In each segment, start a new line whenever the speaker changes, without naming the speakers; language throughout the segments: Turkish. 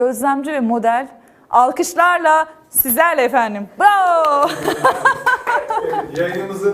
Gözlemci ve model alkışlarla sizlerle efendim. Bravo.
Yayınımızın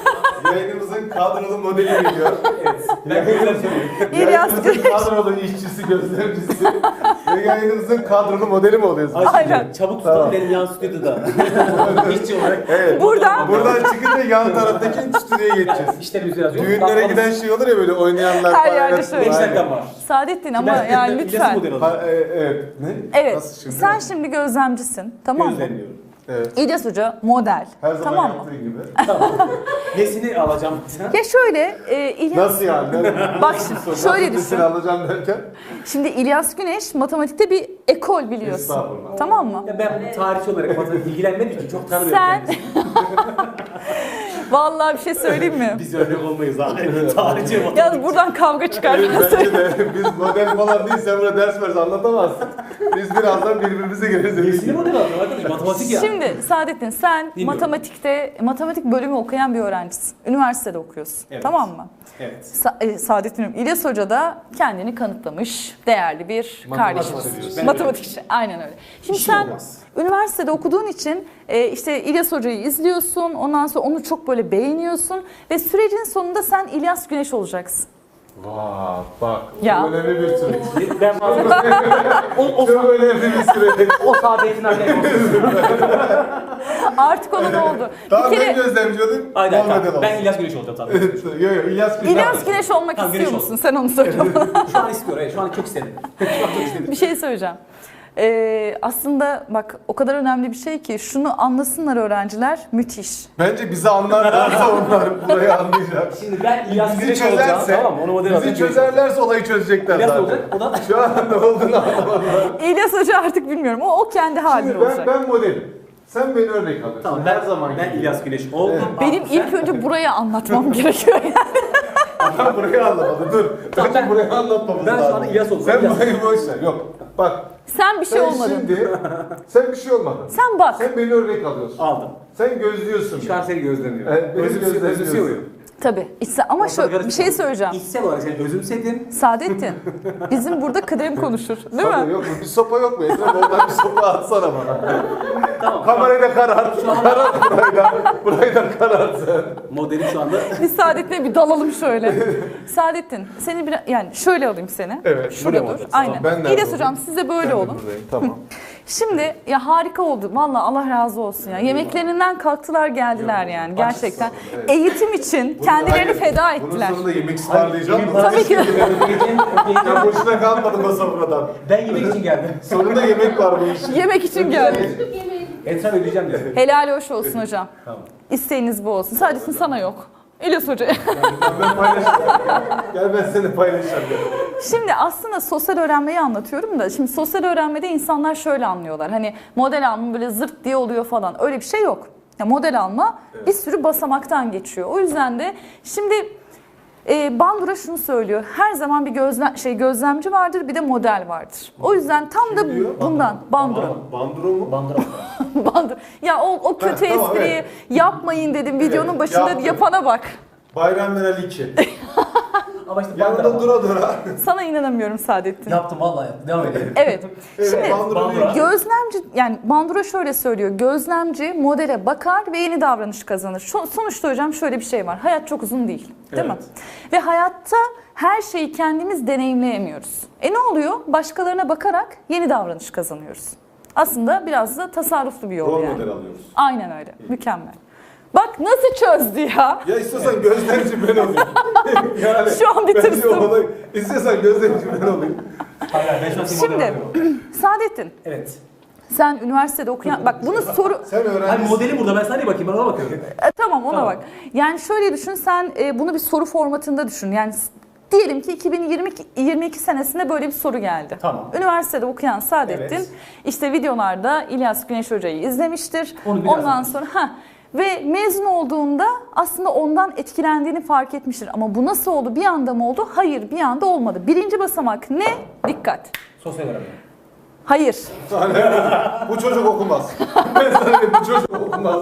kadrolu modeli geliyor.
Evet. Ben gözlemciyorum.
Yayınımızın kadrolu işçisi, gözlemcisi ve yayınımızın kadrolu modeli mi oluyorsunuz?
Aynen.
Çabuk tutalım benim yan stüdyoda. İşçi olarak.
Evet.
Buradan
çıkınca yan taraftaki stüdyoya geçeceğiz.
İşlerimizi yazıyor.
Düğünlere giden şey olur ya böyle oynayanlar
Her
falan.
yerde
Evet.
şöyle.
5 dakikam var.
Saadettin ama yani lütfen.
Evet. Ne?
Evet.
Nasıl şimdi?
Sen şimdi gözlemcisin. Tamam mı?
Gözlemliyorum.
Evet.
İlyas Hoca model.
Her zaman
Tamam mı?
yaptığı gibi.
Tamam. Nesini alacağım sen?
Ya şöyle İlyas...
Nasıl yani?
Bak şimdi şöyle düşün.
Nasıl alacağım derken?
Şimdi İlyas Güneş matematikte bir ekol biliyorsun.
Estağfurullah.
Tamam mı?
Ya ben tarihçi olarak matematik ilgilenmedim ki çok tanımıyorum.
Sen...
kendisini.
Vallahi bir şey söyleyeyim mi?
Biz örnek olmayız abi. Tarihçi matematik.
Yalnız buradan kavga çıkar.
Bence de biz model falan değil, sen burada ders versen anlatamazsın. Biz birazdan birbirimize gireriz.
Nesini model alacağım arkadaş? Matematik ya.
Şimdi Saadettin sen
Dinliyorum.
matematik bölümü okuyan bir öğrencisin. Üniversitede okuyorsun.
Evet.
Tamam mı?
Evet.
Saadettin İlyas Hoca da kendini kanıtlamış değerli bir kardeşimiz.
diyorsun.
Matematikçi. Aynen öyle. Şimdi
İşim
sen
olmaz.
üniversitede okuduğun için işte İlyas Hoca'yı izliyorsun. Ondan sonra onu çok böyle beğeniyorsun. Ve sürecin sonunda sen İlyas Güneş olacaksın.
Vaa bak,
Ya.
çok önemli bir süreç.
Ben
Çok önemli bir süreç.
o saadetini arkaya koyuyorum.
Artık onun oldu.
Tamam
Bir
ben
kere
gözlemci olayım.
Aynen
Muhammed
tamam.
olsun.
Ben İlyas Güneş olacağım tabii.
Yok İlyas Güneş.
İlyas Güneş olmak
Tamam,
istiyor
Güneş
musun? Sen onu söyle bana.
Şu an istiyorum. Evet, şu an çok istedim. Şu an çok istedim.
Bir şey söyleyeceğim. Aslında bak o kadar önemli bir şey ki şunu anlasınlar öğrenciler, müthiş.
Bence bizi anlarlarsa onlar burayı anlayacak.
Şimdi ben İlyas
Bizi
Güneş olacağım.
çözerse,
Tamam mı? Onu model
bizi
alacağım.
çözerlerse olayı çözecekler
İlyas
zaten.
olacak. O da
Şu an ne olduğunu anlamadılar.
İlyas Hoca artık bilmiyorum. O kendi halinde
Şimdi
olacak.
ben modelim. Sen beni örnek alıyorsun.
tamam.
Her zaman
ben
gibi.
İlyas Güneş oldum.
Benim ilk önce buraya anlatmam gerekiyor yani.
Ben burayı anlamadım. Dur.
Tamam,
Önce
ben-
burayı anlatmamız
ben şu
lazım.
an İlyas oldum.
Sen
İlyas.
burayı boş ver. Yok. Bak.
Sen bir şey
Sen
olmadın.
şimdi... Sen bir şey olmadın.
Sen bak.
Sen beni örnek alıyorsun.
Aldım.
Sen gözlüyorsun.
Şu an seni gözlemliyorum.
Evet, beni gözlemliyorsun.
Özümsüyor muyum?
Tabii. Ama şöyle bir şey söyleyeceğim.
İçsel olarak seni özümsedim.
Saadettin, bizim burada kıdem konuşur. Değil
Sana
mi?
yok mu? Bir sopa yok mu? Etrafı oradan bir sopa atsana bana.
Tamam.
Kamerayı da karart. Karart burayı da. Burayı da karart sen.
Modelim şu anda.
Biz Saadettin'e bir dalalım şöyle. Saadettin, seni bir yani şöyle alayım seni.
Evet,
Şurada
buraya mı
dur.
alacaksın?
Aynen.
Ben nerede
İlyas Hocam
olayım?
siz de böyle
Ben de
olun.
buradayım. Tamam.
Şimdi ya harika oldu. Vallahi Allah razı olsun ya. Yemeklerinden kalktılar geldiler yani gerçekten.
Evet.
Eğitim için kendilerini feda ettiler.
Bunun sonunda yemek ısmarlayacağım da.
Tabii ki.
Ben boşuna kalmadım masa buradan.
Ben yemek için geldim.
Sonunda yemek var bu işin.
Yemek için geldik.
Etraf ödeyeceğim dedi.
Helal hoş olsun hocam.
Tamam.
İsteğiniz bu olsun. Saadettin sana yok. İlyas Hoca.
Ben paylaşacağım. Gel ben seni paylaşacağım.
Şimdi aslında sosyal öğrenmeyi anlatıyorum da şimdi sosyal öğrenmede insanlar şöyle anlıyorlar. Hani model alma böyle zırt diye oluyor falan. Öyle bir şey yok. Ya model alma bir sürü basamaktan geçiyor. O yüzden de şimdi Bandura şunu söylüyor. Her zaman bir gözlemci vardır, bir de model vardır. O yüzden tam da
diyor?
bundan Bandura.
Bandro mu?
Bandıra.
Bandur. Ya o kötü
tamam,
espriyi
evet.
yapmayın dedim videonun başında
yaptım.
yapana bak.
Bayram Meral 2.
Ama işte
Yanında
bandıra.
dura dura.
Sana inanamıyorum Saadettin.
Yaptım vallahi yaptım. Devam edelim.
Evet.
Evet,
Şimdi
Bandura.
gözlemci yani Bandura şöyle söylüyor. Gözlemci modele bakar ve yeni davranış kazanır. Sonuçta hocam şöyle bir şey var. Hayat çok uzun değil. Değil mi? Ve hayatta her şeyi kendimiz deneyimleyemiyoruz. Ne oluyor? Başkalarına bakarak yeni davranış kazanıyoruz. Aslında biraz da tasarruflu bir yol
Rol
yani.
model alıyoruz.
Aynen öyle. Mükemmel. Bak nasıl çözdü ya.
Ya istiyorsan gözlemci ben olayım. Yani
Şu an bir
bence
tırstım.
olay- İstiyorsan gözlemci ben olayım.
Hayır, ben şu an seni model
Şimdi
alıyorum.
Saadettin
Evet.
sen üniversitede okuyan bak bunu soru
Sen
Hani
öğrencisin.
modeli burada ben sana niye bakayım? Ben ona bakıyorum.
Tamam ona
Tamam.
bak. Yani şöyle düşün sen bunu bir soru formatında düşün. Yani diyelim ki 2022 senesinde böyle bir soru geldi.
Tamam.
Üniversitede okuyan Saadettin
Evet.
işte videolarda İlyas Güneş Hoca'yı izlemiştir.
Onu biraz
Ondan sonra ve mezun olduğunda aslında ondan etkilendiğini fark etmiştir. Ama bu nasıl oldu? Bir anda mı oldu? Hayır, bir anda olmadı. Birinci basamak ne? Dikkat.
Sosyal öğrenme.
Hayır.
Bu çocuk okumaz. Ben sana diyeyim, bu çocuk okumaz.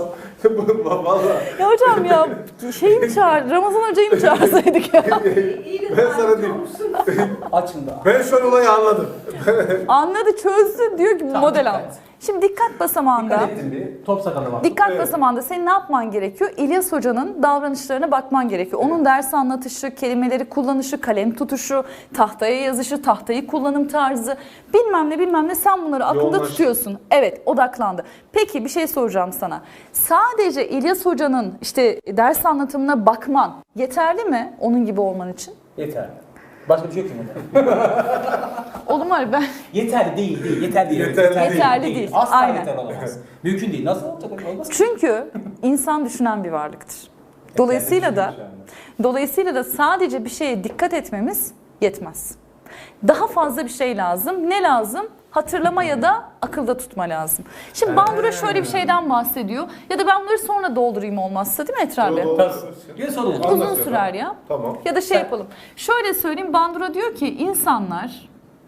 Vallahi.
Ya hocam ya şeyi mi çağır, Ramazan hocayı mı çağırsaydık ya?
Ben sana diyeyim.
Açın da.
Ben şu an olayı anladım.
Anladı, çözdü, diyor ki
Tamam,
model
dikkat.
al. Şimdi dikkat basamağında.
Dikkat ettin bir. Top sakalı var.
Dikkat basamağında senin ne yapman gerekiyor? İlyas Hoca'nın davranışlarına bakman gerekiyor. Onun ders anlatışı, kelimeleri kullanışı, kalem tutuşu, tahtaya yazışı, tahtayı kullanım tarzı, bilmem ne sen bunları aklında
Yoğunlaştı.
tutuyorsun. Evet, odaklandı. Peki bir şey soracağım sana. Sadece İlyas Hoca'nın işte ders anlatımına bakman yeterli mi onun gibi olman için?
Yeterli. Başka bir şey yok ki burada.
Oğlum var ben
Yeterli değil. Yeterli değil.
Yeterli değil.
Asla
Aynen.
yeterli olamaz. Mümkün değil. Nasıl olacak? Olmaz.
çünkü insan düşünen bir varlıktır. Dolayısıyla da sadece bir şeye dikkat etmemiz yetmez. Daha fazla bir şey lazım. Ne lazım? Hatırlama ya da akılda tutma lazım. Şimdi Bandura şöyle bir şeyden bahsediyor. Ya da ben bunları sonra doldurayım olmazsa, değil mi Etre abi?
Yine sorun.
Anlat
Uzun
ya.
sürer ya.
Tamam.
Ya da şey yapalım. Şöyle söyleyeyim, Bandura diyor ki insanlar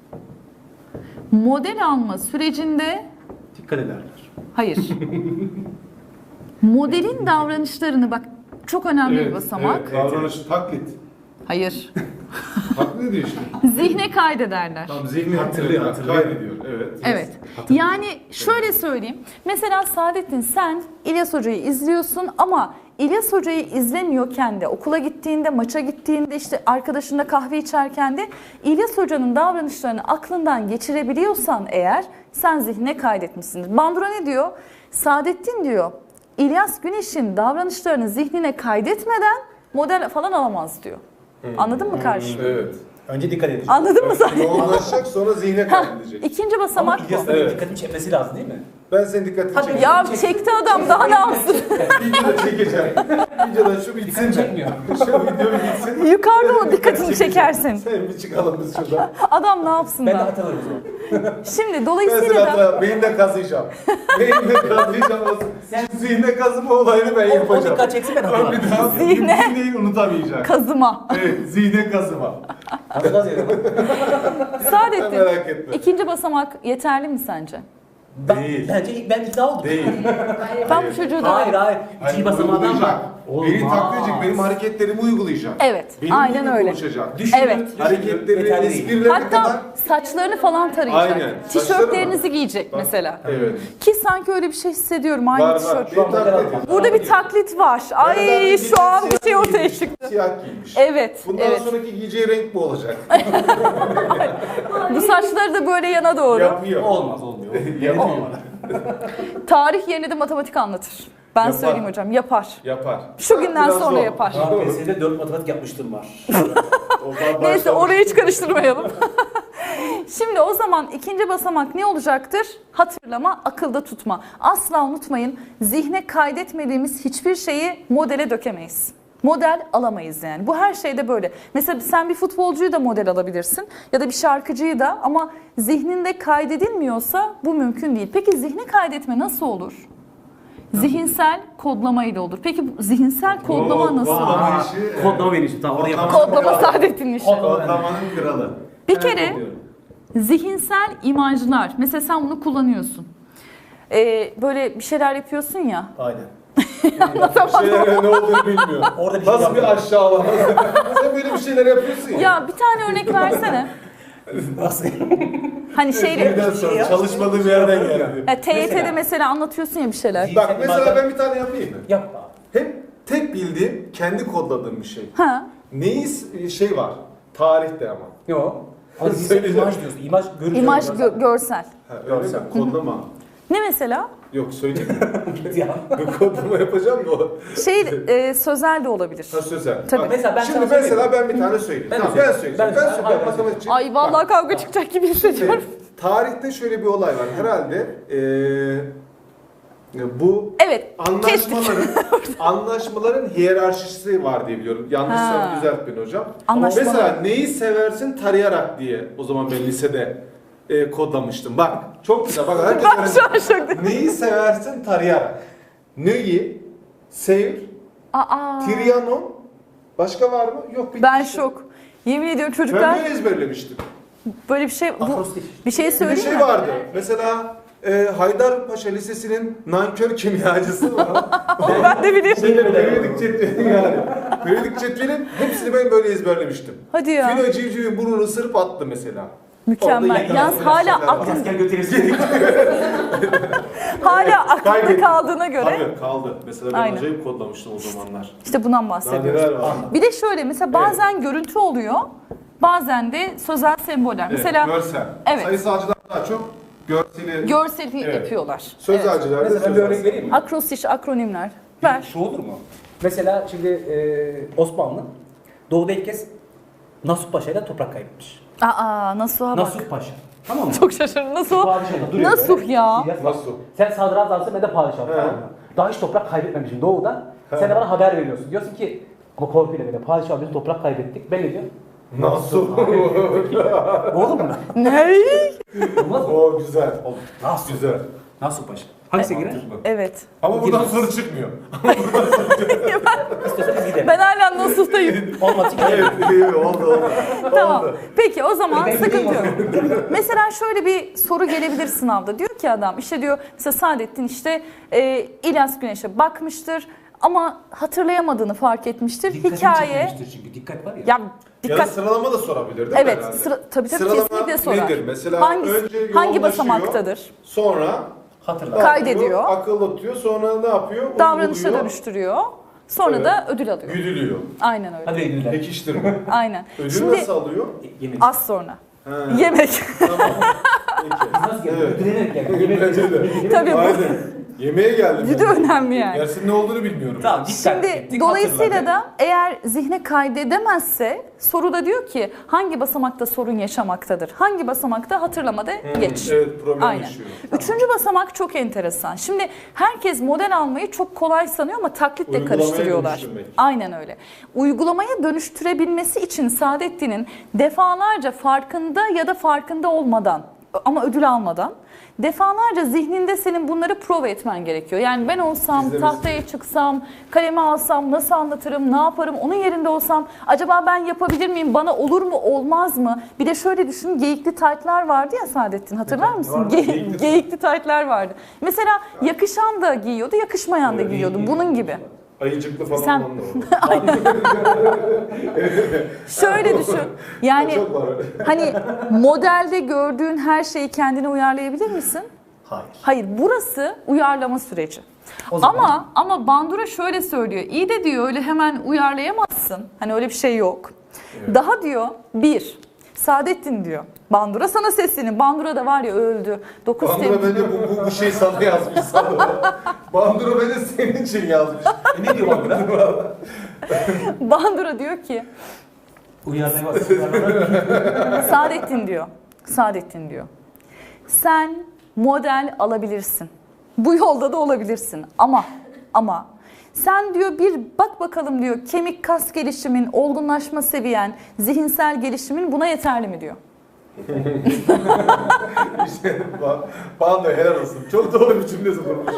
model alma sürecinde
Dikkat ederler.
hayır. Modelin davranışlarını bak çok önemli bir basamak.
Evet, davranışı taklit.
Hayır.
Taklit ediyor işte.
Zihne kaydederler.
Tam zihni hatırlıyor. Kaydediyor. Evet.
Evet. Yani şöyle söyleyeyim. Mesela Saadettin sen İlyas Hoca'yı izliyorsun ama İlyas Hoca'yı izlemiyorken de okula gittiğinde, maça gittiğinde, işte arkadaşınla kahve içerken de İlyas Hoca'nın davranışlarını aklından geçirebiliyorsan eğer sen zihnine kaydetmişsindir. Bandura ne diyor? Saadettin diyor İlyas Güneş'in davranışlarını zihnine kaydetmeden model falan alamaz diyor. Anladın mı karşı?
Evet.
Önce dikkat edecek.
Anladın mı sen?
Yoğunlaşacak sonra zihne
Hah,
kaydedecek.
İkinci
Ama
basamak bu.
İlyas'ın
Evet.
dikkatini çekmesi lazım değil mi?
Ben senin dikkatini
Hadi
çekeceğim.
Ya çekti adam daha ne yapsın?
Videoda çekeceğim. Videoda şu bitsin
Dikkatini
mi?
çekmiyor.
Şu video bir bitsin.
Yukarıda mı dikkatini çekersin?
Sen bir çıkalım biz şuradan.
Adam ne yapsın
Ben de
da?
hatırlarım o zaman.
Şimdi
Ben seni
dolayısıyla da
hatta beyinle kazıyacağım. Beyinle kazıyacağım. Şu zihne kazıma olayını ben
O
yapacağım.
dikkat çeksin ben
Bir
hatırlarım.
daha
Zihne.
zihneyi unutamayacak.
kazıma.
Evet, zihne kazıma.
Hatırlamaz ya.
Saadettin,
Merak etme.
ikinci basamak yeterli mi sence?
Değil.
Bence ben ikna oldum.
Değil.
Ben bu çocuğu da...
Hayır. İkinci basamağından
uygulayacak.
var.
Beni taklit edecek, benim hareketlerimi uygulayacak.
Evet,
Benim
aynen
gibi
öyle.
konuşacak.
Düşünün.
Evet.
Hareketleri,
Yeterli değil.
esprilerine kadar.
Hatta saçlarını falan tarayacak.
Aynen.
Tişörtlerinizi giyecek mesela.
Evet.
Ki sanki öyle bir şey hissediyorum aynı
Var var.
tişört.
Beni taklit ediyor.
Burada bir taklit var. Ay şu an bir şey ortaya çıktı.
Siyah giymiş.
Evet,
Bundan
evet.
sonraki giyeceği renk bu olacak.
Bu saçları da böyle yana doğru.
Yapıyor.
Olmuyor.
Yapıyor.
Tarih yerine de matematik anlatır. Ben
Yapar.
söyleyeyim hocam, yapar.
Yapar.
Şu günden
Biraz
sonra
zor.
yapar.
KPSS'de 4 matematik yapmıştım var.
Oradan
Neyse
başlamış.
orayı hiç karıştırmayalım. Şimdi o zaman ikinci basamak ne olacaktır? Hatırlama, akılda tutma. Asla unutmayın, zihne kaydetmediğimiz hiçbir şeyi modele dökemeyiz. Model alamayız yani. Bu her şeyde böyle. Mesela sen bir futbolcuyu da model alabilirsin ya da bir şarkıcıyı da ama zihninde kaydedilmiyorsa bu mümkün değil. Peki zihne kaydetme nasıl olur? Zihinsel kodlama ile olur. Peki bu zihinsel kodlama nasıl olur?
Kodlama işi.
Kodlama benim işim. Tamam oraya
Kodlama.
bak.
Kodlama Saadettin'in işi.
Kodlamanın kralı.
Bir kere zihinsel imajlar. Mesela sen bunu kullanıyorsun. Böyle bir şeyler yapıyorsun ya.
Aynen.
Şeylere ne olduğunu bilmiyor.
Orada bir şey
Nasıl bir
yapıyor.
aşağılama. Sen böyle bir şeyler yapıyorsun ya.
Ya bir tane örnek versene.
Nasıl?
Hani şeyle
Birden sonra çalışmadığım yerden geldi.
TYT'de mesela anlatıyorsun ya bir şeyler.
Bak mesela ben bir tane yapayım mı?
Yapma.
Hep tek bildiğim, kendi kodladığım bir şey.
Ha.
Neyi şey var? Tarihte ama.
Yok. Ama
Söyleyeceğim.
imaj diyorsun. İmaj görüntü.
İmaj görsel.
Ha, öyle mi? Kodlama.
Ne mesela?
Yok söyleyeyim.
ya.
Kodlama yapacağım da o.
Sözel de olabilir.
Ha sözel.
Tabii.
Bak,
Mesela ben
şimdi
sana
mesela
söyleyeyim.
ben bir tane söyleyeyim.
Ben
Tamam,
de
ben
söyleyeyim.
söyleyeceğim.
Ben
Ben
de
söyleyeyim.
söyleyeyim.
Matematikçi.
Ay vallahi kavga çıkacak gibi hissediyorum.
Tarihte şöyle bir olay var. Herhalde bu
Evet.
anlaşmaların hiyerarşisi var diye biliyorum. Yanlışsa düzelt beni hocam. Ama
Anlaşmalar.
mesela neyi seversin tarayarak diye o zaman ben lisede kodlamıştım. Bak çok güzel. Bak herkes
Ben şu an şok.
neyi seversin tarayarak. Neyi, sev,
Aa.
Trianon, başka var mı? Yok. bitti
Ben
işte.
şok. Yemin ediyorum
Ben
çocuklar
böyle ezberlemiştim.
böyle bir şey
Akrostiş.
bir şey
Bir de
söyleyeyim
şey
mi?
vardı. Mesela Haydarpaşa Lisesi'nin nankör kimyacısı var.
Onu ben de biliyorum.
Periyodik cetveli yani. Periyodik cetvelin hepsini ben böyle ezberlemiştim.
Hadi ya.
Filo civcivin burnunu ısırıp attı mesela.
Mükemmel.
Orada
Yalnız
yine
hala
şeyler var.
aklın,
Asker götürürsün.
hala aklında
Kaybettim.
kaldığına göre.
Tabii kaldı. Mesela ben
Aynen.
acayip kodlamıştım o zamanlar.
İşte bundan
Daha
bahsediyoruz.
neler var.
Bir de şöyle mesela bazen görüntü oluyor. Bazen de sözel semboller. Mesela
Görsel.
Evet.
Sayısalcılar daha çok görseli.
görseli
Evet.
yapıyorlar.
Sözelciler de
Mesela ben bir
sözel.
örnek vereyim mi?
Akrostiş, akronimler. Ver.
Şu olur mu? Mesela şimdi Osmanlı doğuda ilk kez Nasuh Paşa ile toprak kaybetmiş.
Aa, Nasuh'a bak.
Nasuh Paşa. Tamam mı?
Çok şaşırdım. Nasuh?
Padişah duruyor
Nasuh
böyle.
ya.
İlyas,
Nasuh.
Sen sadrazamsın ben de padişahım.
He.
Tamam mı? Daha hiç toprak kaybetmemişim doğuda. Sen de bana haber veriyorsun. Diyorsun ki ama korkuyla böyle padişah biz toprak kaybettik. Ben ne diyorum?
Nasıl?
Olur mu?
Ne?
Olmaz mı?
O güzel.
Olur. Nasuh.
Güzel.
Nasuh Paşa. Hangisi girer?
Mantıklı.
Evet.
Ama buradan soru çıkmıyor.
İstiyorsanız gidelim.
Ben hala Nasuh'tayım.
Olmadı ki gidelim.
Evet, iyi, oldu.
Tamam. Peki o zaman
Ben
sıkıntı
gideyim
yok. Mesela şöyle bir soru gelebilir sınavda. Diyor ki adam işte diyor mesela Saadettin işte İlyas Güneş'e bakmıştır ama hatırlayamadığını fark etmiştir.
Dikkatini
Hikaye
çekmiştir çünkü dikkat var ya.
ya
Ya da
dikkat
sıralama da sorabilir değil mi?
evet
herhalde?
tabii
Sıralama
kesinlikle sorar.
nedir? Mesela
hangi
önce
hangi
yoğunlaşıyor,
basamaktadır?
Sonra
Hatırla.
ne
Kaydediyor.
yapıyor? Akıl atıyor. Sonra ne yapıyor?
Davranışa
Uyguluyor,
dönüştürüyor. Sonra
Evet.
da ödül alıyor.
güdülüyor.
Aynen öyle.
Hadi ödüller.
Pekiştirme.
Aynen.
Ödül
Şimdi
nasıl alıyor?
Yemek.
az sonra.
Ha,
Yemek.
tamam. Peki.
Nasıl geldi?
Evet.
Ödülenerek geldi. Yemek.
Bence de.
Tabii bu.
Aynen. Yemeğe geldim.
Bir de önemli yani.
Dersin ne olduğunu bilmiyorum.
Tamam dikkat
Şimdi
ettik,
dolayısıyla
hatırladık.
da eğer zihne kaydedemezse soruda diyor ki hangi basamakta sorun yaşamaktadır? Hangi basamakta hatırlamada geç?
Evet, problem
Aynen.
yaşıyor.
Üçüncü basamak çok enteresan. Şimdi herkes model almayı çok kolay sanıyor ama taklitle
Uygulamaya
karıştırıyorlar.
dönüştürmek.
Aynen öyle. Uygulamaya dönüştürebilmesi için Saadettin'in defalarca farkında ya da farkında olmadan ama ödül almadan defalarca zihninde senin bunları prova etmen gerekiyor. Yani ben olsam,
İzlemesi.
tahtaya çıksam, kalemi alsam nasıl anlatırım, ne yaparım, onun yerinde olsam acaba ben yapabilir miyim, bana olur mu, olmaz mı? Bir de şöyle düşün, geyikli taytlar vardı ya Saadettin, hatırlar mısın?
vardı?
Geyikli taytlar vardı. Mesela yakışan da giyiyordu, yakışmayan da giyiyordu. Bunun gibi.
Ayıcıklı falan
Sen-
olan da var.
Şöyle düşün. Yani
Çok var.
hani modelde gördüğün her şeyi kendine uyarlayabilir misin?
Hayır.
Hayır, burası uyarlama süreci.
O zaman-
Ama Bandura şöyle söylüyor. İyi de diyor öyle hemen uyarlayamazsın. Hani öyle bir şey yok. Daha diyor Saadettin diyor. Bandura sana sesleniyor. Bandura da var ya öldü. 9
Bandura
Temmuz.
bence bu şey sana yazmış sana. Bandura bence senin için yazmış.
Ne diyor bak burada?
Bandura diyor ki
Uyarlamaz.
Saadettin diyor. Sen model alabilirsin. Bu yolda da olabilirsin. Ama sen diyor bir bak bakalım diyor kemik kas gelişimin, olgunlaşma seviyen, zihinsel gelişimin buna yeterli mi diyor.
İşte Bandura helal olsun. Çok doğru bir cümle kurmuş.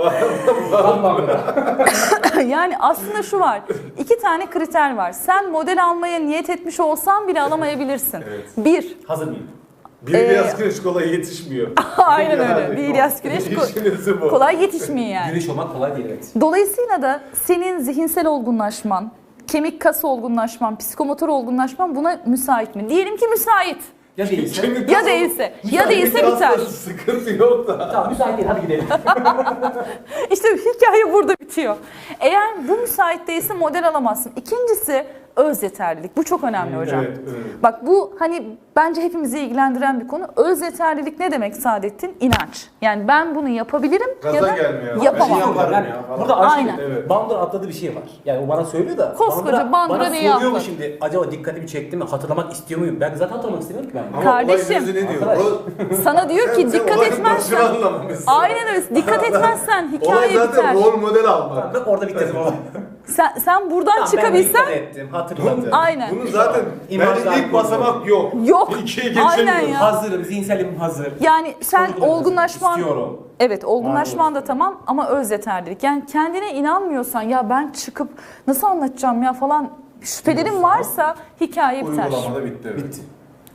Yani aslında şu var. 2 tane kriter var. Sen model almaya niyet etmiş olsan bile alamayabilirsin.
Evet.
1.
Hazır mıyım?
Bir İlyas Güneş kolay yetişmiyor.
Aynen öyle.
Yani
Bir İlyas Güneş
İşinizi bu.
kolay yetişmiyor yani.
Güneş olmak kolay değil evet.
Dolayısıyla da senin zihinsel olgunlaşman, kemik kas olgunlaşman, psikomotor olgunlaşman buna müsait mi? Diyelim ki müsait.
Ya değilse?
Kemik
Ya
kası-
değilse
kemik
biter.
kasları Sıkıntı yok da.
Tamam müsait değil hadi gidelim.
İşte hikaye burada bitiyor. Eğer bu müsait değilse model alamazsın. İkincisi öz yeterlilik. Bu çok önemli hocam.
Evet, evet.
Bak bu hani bence hepimizi ilgilendiren bir konu. Öz yeterlilik ne demek Saadettin? İnanç. Yani ben bunu yapabilirim
Gaza
ya da
gelmiyor.
yapamam.
Ben yaparım
Yani
ya falan.
burada aşk
Aynen.
Evet.
Bandura atladığı bir şey var. Yani o bana söylüyor da.
Koskoca Bandura
bana
neyi
soruyor mu
atladı?
şimdi? Acaba dikkatimi çekti mi? Hatırlamak istiyor muyum? Ben zaten hatırlamak istemiyorum ki ben.
Ama
Kardeşim.
olay özü ne diyor?
Arkadaş.
Sana diyor ki
Sen
dikkat
olayın
etmezsen.
başını anlamamışsın.
Aynen öyle. Dikkat etmezsen
Olay
hikaye
zaten
biter.
rol model almak.
Bak orada bitti.
Sen buradan
Ben
çıkabilsen
dikkat ettim, hatırladım.
aynen.
Bunun zaten
İmajlar
bence ilk
koyuyor.
basamak yok.
Yok.
İkiye
Aynen
geçemiyoruz.
ya.
Hazırım, zihinselim hazır.
Yani sen olgunlaşman
İstiyorum.
evet olgunlaşman da tamam ama öz yeterlilik. Yani kendine inanmıyorsan ya ben çıkıp nasıl anlatacağım ya falan şüphelerin varsa hikaye biter.
Uygulamada bitti. Evet.
Bitti.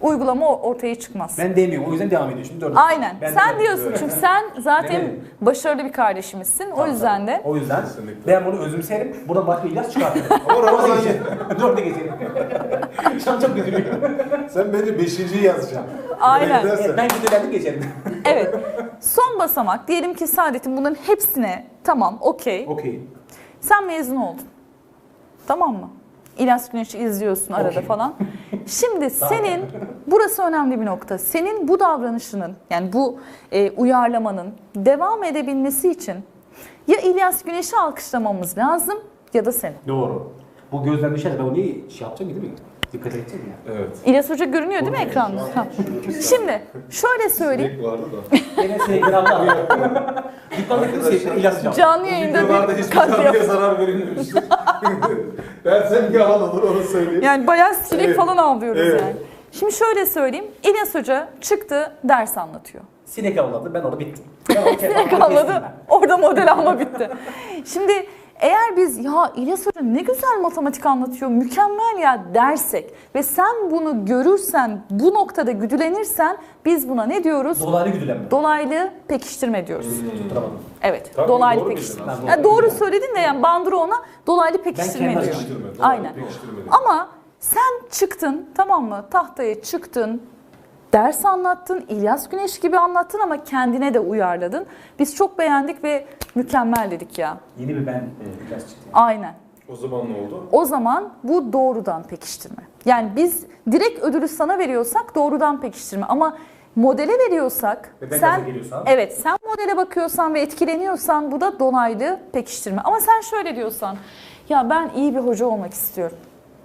uygulama ortaya çıkmaz.
Ben demiyorum. O yüzden devam ediyor. Şimdi dördüncü.
Aynen.
Ben
Sen
de-
diyorsun çünkü sen zaten
Demedim.
başarılı bir kardeşimizsin. O yüzden de
O yüzden
Kesinlikle.
ben bunu özümserim. Buradan başka İlyas çıkartırım.
Ama Ramazan
Dörde geçelim. Şu an çok üzülüyorum.
sen bence 5.yi yazacaksın.
Aynen.
Böyle gidersen-
Ben güdülendim geçerim.
evet. Son basamak diyelim ki Saadet'in bunların hepsine tamam okey.
Okey.
Sen mezun oldun. Tamam mı? İlyas Güneş'i izliyorsun arada
Okey.
falan. Şimdi senin, burası önemli bir nokta. Senin bu davranışının yani bu uyarlamanın devam edebilmesi için ya İlyas Güneş'i alkışlamamız lazım ya da seni.
Doğru. Bu gözden düşerse ben onu iyi şey yapacağım değil mi? Dikkat edeceğim ya.
Evet.
İlyas Hoca görünüyor değil mi ekranda? Ha. Şimdi şöyle söyleyeyim.
Sinek vardı da.
Gene sevgiramda var. Dükkandaki sevgilim İlyas hocam.
Canlı yayında
Videolarda
bir
hiçbir
katliam.
canlıya zarar verilmemiştir. Dersem yalan olur onu söyleyeyim.
Yani bayağı sinek
Evet.
falan avlıyoruz
Evet.
yani. Şimdi şöyle söyleyeyim. İlyas Hoca çıktı ders anlatıyor.
Sinek avladı. Ben orada bittim. Ben orada
Sinek
kestim
avladı.
ben.
Orada model alma bitti. Şimdi eğer biz ya İlyas Hoca ne güzel matematik anlatıyor, mükemmel ya dersek ve sen bunu görürsen, bu noktada güdülenirsen biz buna ne diyoruz?
Dolaylı güdülenme.
Dolaylı pekiştirme diyoruz.
Tutturamadım.
Evet,
Tabii,
dolaylı
doğru
pekiştirme.
bildin
aslında.
Ya doğru söyledin de yani Bandura ona dolaylı pekiştirme
kendi
diyor.
Pekiştirme, doğru,
Aynen.
pekiştirme.
Ama sen çıktın tamam mı? Tahtaya çıktın. Ders anlattın, İlyas Güneş gibi anlattın ama kendine de uyarladın. Biz çok beğendik ve mükemmel dedik ya.
Yeni bir ben İlyas çıktı.
Aynen.
O zaman ne oldu?
O zaman bu doğrudan pekiştirme. Yani biz direkt ödülü sana veriyorsak doğrudan pekiştirme ama modele veriyorsak
Ve ben
sen
gaza geliyorsam?
evet sen modele bakıyorsan ve etkileniyorsan bu da dolaylı pekiştirme. Ama sen şöyle diyorsan ya ben iyi bir hoca olmak istiyorum.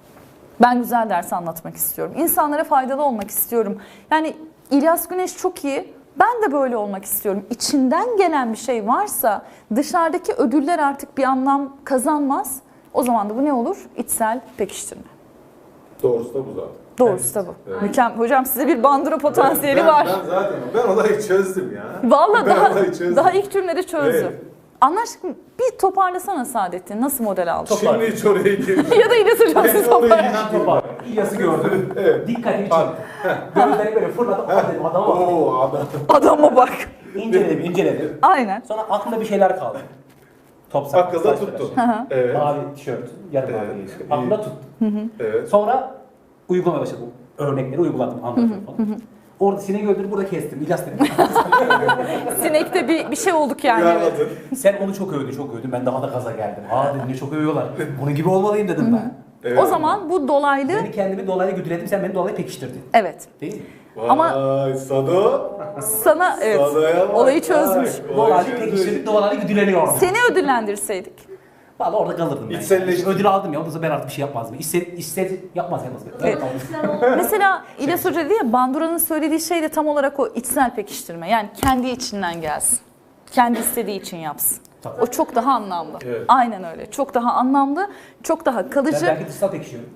Ben güzel ders anlatmak istiyorum. İnsanlara faydalı olmak istiyorum. Yani İlyas Güneş çok iyi. Ben de böyle olmak istiyorum. İçinden gelen bir şey varsa dışarıdaki ödüller artık bir anlam kazanmaz. O zaman da bu ne olur? İçsel pekiştirme.
Doğrusu da bu zaten.
Doğrusu da bu.
Evet.
Mükemmel. Hocam size bir Bandura potansiyeli
Ben
var.
zaten ben olayı çözdüm ya.
Vallahi
Ben olayı çözdüm.
daha ilk cümlede çözdüm.
Evet.
Anlaştık mı? Bir toparlasana Saadettin. Nasıl model aldın?
Şimdi hiç oraya girdim.
Ya da İlyas Hocam siz
Ben oraya
toparlayın.
Ben topa. İlyas'ı gördüm.
Evet.
Dikkatimi çekti. Gözleri böyle fırladı. Dedim adama bak.
Oo adam.
Adama bak.
İnceledim.
Aynen.
Sonra aklımda bir şeyler kaldı. Top saklı.
Akılda
saç
tuttu.
tıraşı.
Evet.
Mavi tişört. Yarım
Evet.
mavi giysi. Aklımda tuttu.
Evet.
Sonra uygulamaya başladım. Örnekleri uyguladım. Anlatıyorum falan. Orada sineği öldürüp burada kestim. İlyas dedim.
Sinekte bir şey olduk yani. Evet.
Yarladın.
Sen onu çok övdün. Ben daha da gaza geldim. Aa dedim ne çok övüyorlar. Bunun gibi olmalıyım dedim ben.
Evet.
O zaman bu dolaylı
Beni kendimi dolaylı güdüledim. Sen beni dolaylı pekiştirdin.
evet.
Değil mi?
Vay,
Ama-
Sado.
Sana evet
Sado'ya bak.
olayı çözmüş.
Vay,
Dolaylı
çözmüş.
pekiştirdik. Dolaylı güdüleniyorum.
Seni ödüllendirseydik.
Valla orada kalırdım ben.
İçselleştir.
Ödül aldım ya. Ondan sonra ben artık bir şey yapmazdım. İstedi yapmaz.
Evet. Mesela İlyas Hoca dedi ya Bandura'nın söylediği şey de tam olarak o içsel pekiştirme. Yani kendi içinden gelsin. Kendi istediği için yapsın.
Tabii.
O çok daha anlamlı.
Evet.
Aynen öyle. Çok daha anlamlı, çok daha
Ben
kalıcı.
belki dışsal pekişiyorum.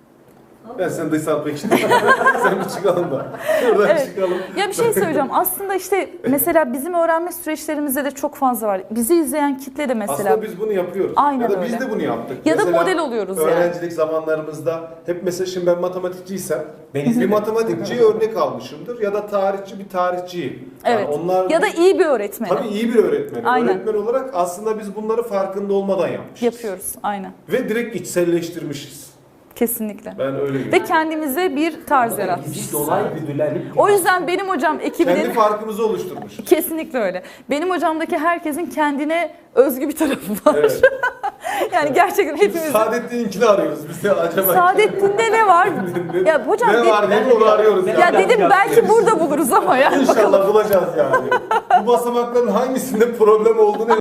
Ben seni dışsal pekiştirdim. Sen bir çıkalım da. Şuradan
Evet.
çıkalım.
Ya bir şey söyleyeceğim. Aslında işte mesela bizim öğrenme süreçlerimizde de çok fazla var. Bizi izleyen kitle de mesela
Aslında biz bunu yapıyoruz.
Aynen
ya da
öyle.
biz de bunu yaptık.
Ya da
Mesela
model oluyoruz yani.
öğrencilik zamanlarımızda hep mesela şimdi ben matematikçiysem
Ben
bir
izledim.
matematikçiyi örnek almışımdır ya da tarihçi bir tarihçiyi.
evet.
Yani onlar
Ya da iyi bir öğretmeni
tabii iyi bir öğretmen.
Aynen.
Öğretmen olarak aslında biz bunları farkında olmadan yapmışız.
yapıyoruz. Aynen.
Ve direkt içselleştirmişiz.
Kesinlikle.
Ben öyle görüyorum.
Ve kendimize bir tarz yaratmışız.
Gizli dolaylı güdülenip.
O yüzden benim hocam
Kendi
ekibinin
farkımızı oluşturmuşuz.
kesinlikle öyle. Benim hocamdaki herkesin kendine özgü bir tarafı var.
Evet.
Yani gerçekten hepimizin.
Saadettin'inkini arıyoruz biz de acaba.
Saadettin'de ne var? Ya hocam
ne var ne onu arıyoruz
Ben-
ya.
ya dedim belki burada buluruz ama ya.
İnşallah bulacağız yani. Bu basamakların hangisinde problem olduğunu